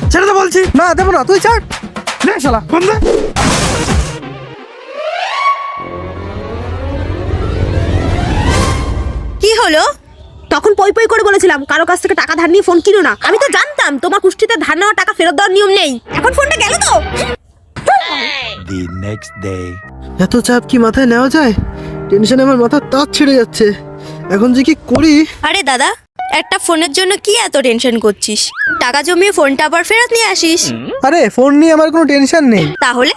ছেড়ে দে বলছি। না দেবো না, তুই ছাড়। নে শালা ফোন দে। কি হলো? তখন পই পই করে বলেছিলাম কারো কাছ থেকে টাকা ধার নিয়ে ফোন কিনো না। আমি তো জানতাম তোমার কুষ্টিতে ধার নেওয়া টাকা ফেরত দেওয়ার নিয়ম নেই। এখন ফোনটা গেল তো। The next day. এত চাপ কি মাথায় নেওয়া যায়? টেনশনে আমার মাথা তার ছিঁড়ে যাচ্ছে। এখন যে কি করি। আরে দাদা, একটা ফোনের জন্য কি এত টেনশন করছিস? টাকা জমিয়ে ফোনটা আবার ফেরত নিয়ে আসিস। আরে ফোন নিয়ে আমার কোনো টেনশন নেই। তাহলে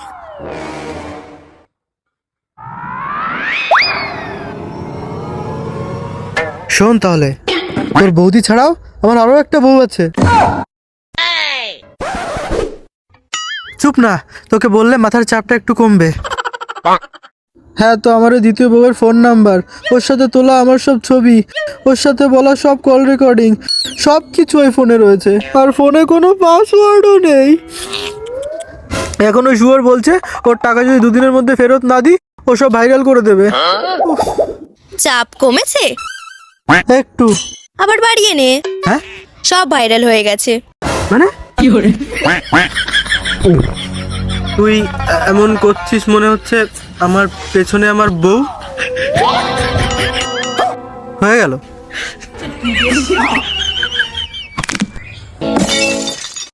শোন তাহলে, তোর বৌদি ছাড়াও আমার আরো একটা বউ আছে। চুপ না, তোকে বললে মাথার চাপটা একটু কমবে। হ্যাঁ, তো আমার ওই দ্বিতীয় বউয়ের ফোন নাম্বার, ওর সাথে তোলা আমার সব ছবি, ওর সাথে বলা সব কল রেকর্ডিং, সব কিছু ওই ফোনে রয়েছে। আর ফোনে কোনো পাসওয়ার্ডও নেই। এখন ওই শুয়োর বলছে ওর টাকা যদি দুদিনের মধ্যে ফেরত না দিই ও সব ভাইরাল করে দেবে। চাপ কমেছে? একটু। আবার বাড়িয়ে নে। হ্যাঁ সব ভাইরাল হয়ে গেছে। মানে তুই এমন করছিস মনে হচ্ছে আমার পেছনে আমার বউ। হয়ে গেল।